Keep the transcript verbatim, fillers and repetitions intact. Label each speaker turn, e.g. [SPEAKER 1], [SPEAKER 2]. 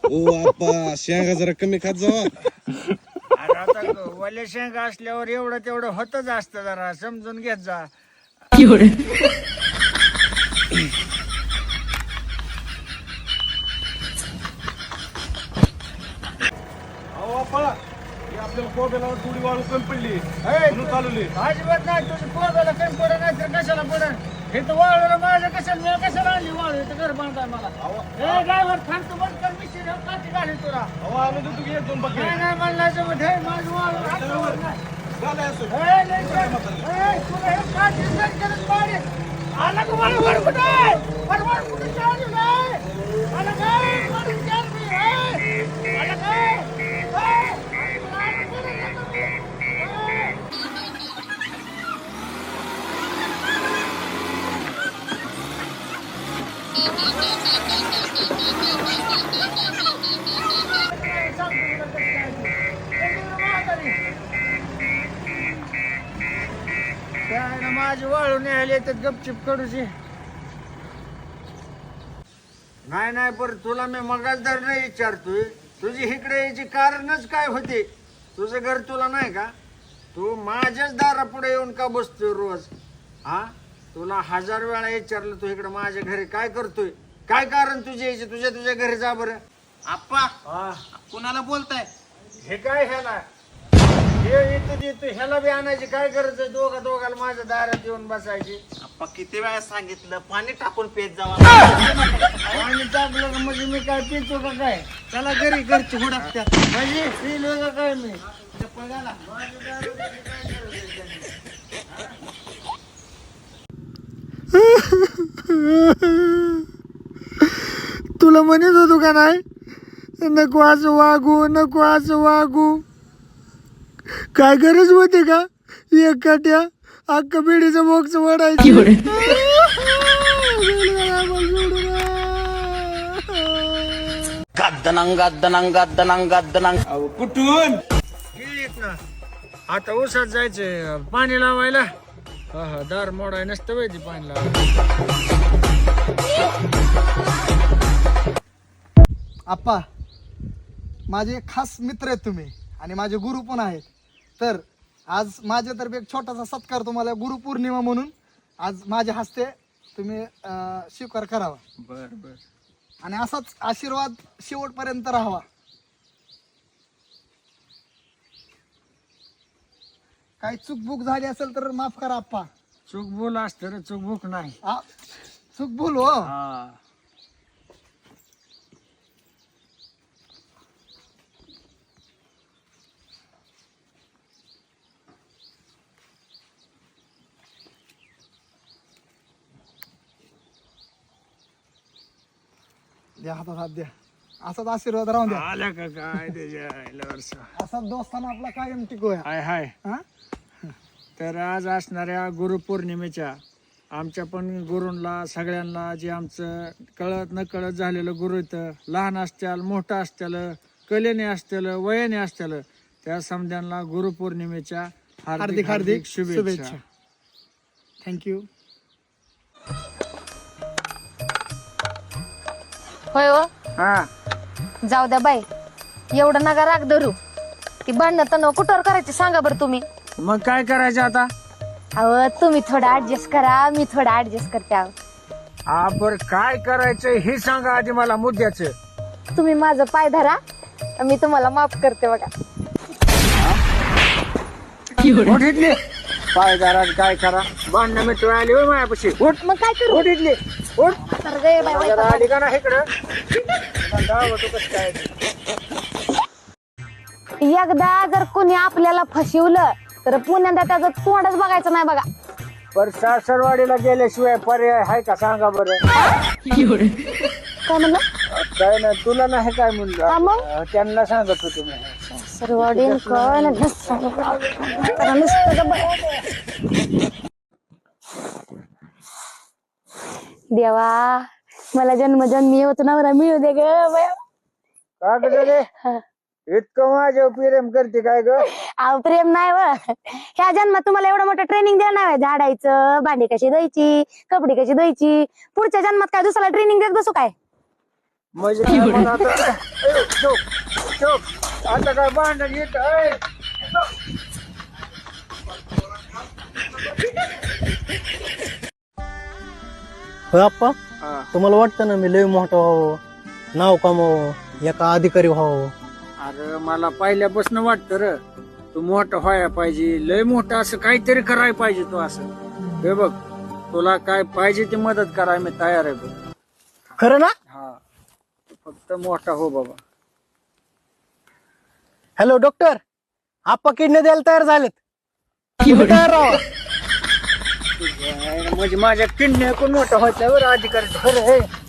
[SPEAKER 1] ओ आपा शेंगा जरा कमी खात जावा.
[SPEAKER 2] अरे आता वल्या शेंगा असल्यावर एवढं तेवढं होतच असतं, जरा समजून घेत जा.
[SPEAKER 1] अहो आपा हे आपल्याला कोब्याला थोडी वाळू कमी पडली म्हणून चालवली.
[SPEAKER 2] अजिबात नाही, तुझी पोराला कमी पडत नाही तर कशाला पडत. हे तर वाळूला माझ्या कशाला मी कशाला आणली वाळू, इथं घर बांधताय मला. हे ड्रायव्हर थांबतो बंद कर, मिस्त्री काठी घाली तुला.
[SPEAKER 1] अहो आम्ही देतो की एक दोन बाकी
[SPEAKER 2] नाही नाही म्हणला जमत, हे माझं वाळू हातावर नाही.
[SPEAKER 1] झालंय असं.
[SPEAKER 2] हे लेकरं, हे तुला हे काठी बंद करत पाडी. आला का मला वर कुठं आहे? वर वर कुठं चालू आहे? आला काय? वर विचार मी, हे? आला काय? हे? आला कुठं येतो मी? हे? माझी वाळू न्यायला येतात गपचिप कडूची. नाही नाही, पर तुला मी मगाचदार नाही विचारतोय, तुझी इकडे यायची कारणच काय होते? तुझं घर तुला नाही का? तू माझ्याच दारापुढे येऊन का बसतोय रोज? हा, तुला हजार वेळा विचारलं तू इकडे माझ्या घरी काय करतोय, काय कारण तुझे यायचे? तुझ्या तुझ्या घरी जा बरं.
[SPEAKER 3] आप्पा कुणाला बोलताय?
[SPEAKER 2] हे काय ह्याला हे येतो देतो, ह्याला बी आणायची काय गरज आहे? दोघा दोघाला माझ्या दारात येऊन बसायची.
[SPEAKER 3] आप्पा किती वेळा सांगितलं पाणी टाकून पेत जावा.
[SPEAKER 2] आणि टाकलं का म्हणजे मी काय पितो का काय?
[SPEAKER 3] चला घरी घरची हुडकत्यात.
[SPEAKER 2] म्हणजे पिलो का काय मी?
[SPEAKER 3] चप्पल घाला.
[SPEAKER 2] तुला म्हणत होतो का नाही, नको असं वागू, नको असं वागू. काय गरज होती का एकट्या अख्खा बिडीचं बॉक्स वाढायची?
[SPEAKER 4] गद्दनंग गद्दनंग गद्दनंग गद्दनंग.
[SPEAKER 1] अहो कुठून?
[SPEAKER 2] ना आता उसात जायचंय पाणी लावायला. हा हा, दार मोडाय नसतं पाहिजे पाणी लावायला.
[SPEAKER 5] आप्पा, माझे एक खास मित्र आहेत तुम्ही आणि माझे गुरु पण आहेत. तर आज माझ्यातर्फे एक छोटासा सत्कार तुम्हाला गुरुपौर्णिमा म्हणून आज माझ्या हस्ते तुम्ही अं, स्वीकार करावा.
[SPEAKER 2] बर बर.
[SPEAKER 5] आणि असाच आशीर्वाद शेवटपर्यंत राहावा. काही चूकबुक झाली असेल तर माफ करा आप्पा.
[SPEAKER 2] चूक बोल असतं रे, चूक भूक नाही.
[SPEAKER 5] आ, चूक बोल हो.
[SPEAKER 2] हा,
[SPEAKER 5] द्या हातात हात द्या. असाच आशीर्वाद राहून द्या.
[SPEAKER 2] आल्या का काय त्याच्या आईला वर्षा.
[SPEAKER 5] असाच दोस्ताना आपला कायम टिकूया.
[SPEAKER 2] हाय हाय.
[SPEAKER 5] हा,
[SPEAKER 2] तर आज असणाऱ्या गुरुपौर्णिमेच्या आमच्या पण गुरूंना सगळ्यांना, जे आमचं कळत न कळत झालेलं गुरु इथं, लहान असत्याल मोठं असत्याल, कलेने असत्याल वयाने असत्याल, त्या समध्यांना गुरुपौर्णिमेच्या
[SPEAKER 5] हार्दिक हार्दिक
[SPEAKER 2] शुभेच्छा.
[SPEAKER 5] शुभेच्छा. थँक्यू.
[SPEAKER 6] होय हो,
[SPEAKER 2] हा,
[SPEAKER 6] जाऊ द्या बाई, एवढं नका राग धरू. ती भांडणं तणाव कुठवर करायची सांगा बरं तुम्ही.
[SPEAKER 2] मग काय करायचं आता?
[SPEAKER 6] अहो तुम्ही थोडं ऍडजस्ट करा, मी थोडं ऍडजस्ट करते. अहो
[SPEAKER 2] हा, बर काय करायचं हे सांगा आधी मला मुद्द्याचं.
[SPEAKER 6] तुम्ही माझं पाय धरा, मी तुम्हाला माफ करते बघा.
[SPEAKER 2] उठ इथली. पाय जरा काय करा, भांडणं मिटू आली होय मायापाशी. उठ
[SPEAKER 6] मग काय करू?
[SPEAKER 2] उठ इथली. उठ.
[SPEAKER 6] तर गे बाई, बाई,
[SPEAKER 2] जरा आली का ना इकडं. दावतो कसं काय ते.
[SPEAKER 6] एकदा जर कोणी आपल्याला फसवलं तर पुण्यांदा त्याचं तोंडच बघायचं नाही बघा.
[SPEAKER 2] पर सासरवाडीला गेल्याशिवाय पर्याय आहे का सांगा बरं?
[SPEAKER 6] काय म्हणलं?
[SPEAKER 2] काय नाही, तुला नाही काय म्हणलं.
[SPEAKER 6] हा मग?
[SPEAKER 2] अं, त्यांना सांगत होतो मी.
[SPEAKER 6] सर्वाडीन काय ना नुसतं देवा, मला जन्मजन्मी होत नवरा मिळू दे ग बाया.
[SPEAKER 2] का ग रे? इतकं माझ्या प्रेम करते काय ग?
[SPEAKER 6] अहो प्रेम नाही व, ह्या जन्मात तुम्हाला एवढं मोठं ट्रेनिंग देणार नाही. झाडायचं, भांडी कशी धुवायची, कपडे कशी धुवायची. पुढच्या जन्मात काय दुसऱ्याला ट्रेनिंग देत बसू काय?
[SPEAKER 2] म्हणजे काय मग आता ए, चुप चुप आता काय भांडण येत आहे
[SPEAKER 7] होय आप्पा तुम्हाला वाटतं ना मी लय मोठं व्हावं नाव कमावं एका अधिकारी व्हावं.
[SPEAKER 2] अरे मला पहिल्यापासून वाटतं र तू मोठं व्हायला पाहिजे लय मोठं असं काहीतरी करायला पाहिजे तू असं हे बघ तुला काय पाहिजे ती मदत करायला मी तयार आहे बघ.
[SPEAKER 7] खरं ना?
[SPEAKER 2] हा तू फक्त मोठा हो बाबा.
[SPEAKER 7] हॅलो डॉक्टर, आप्पा किडनी द्यायला तयार झालेत. तुम्ही तयार राहा.
[SPEAKER 2] म्हणजे माझ्या किडनी कोण मोठा व्हायचा बरं अधिकारी खरं हे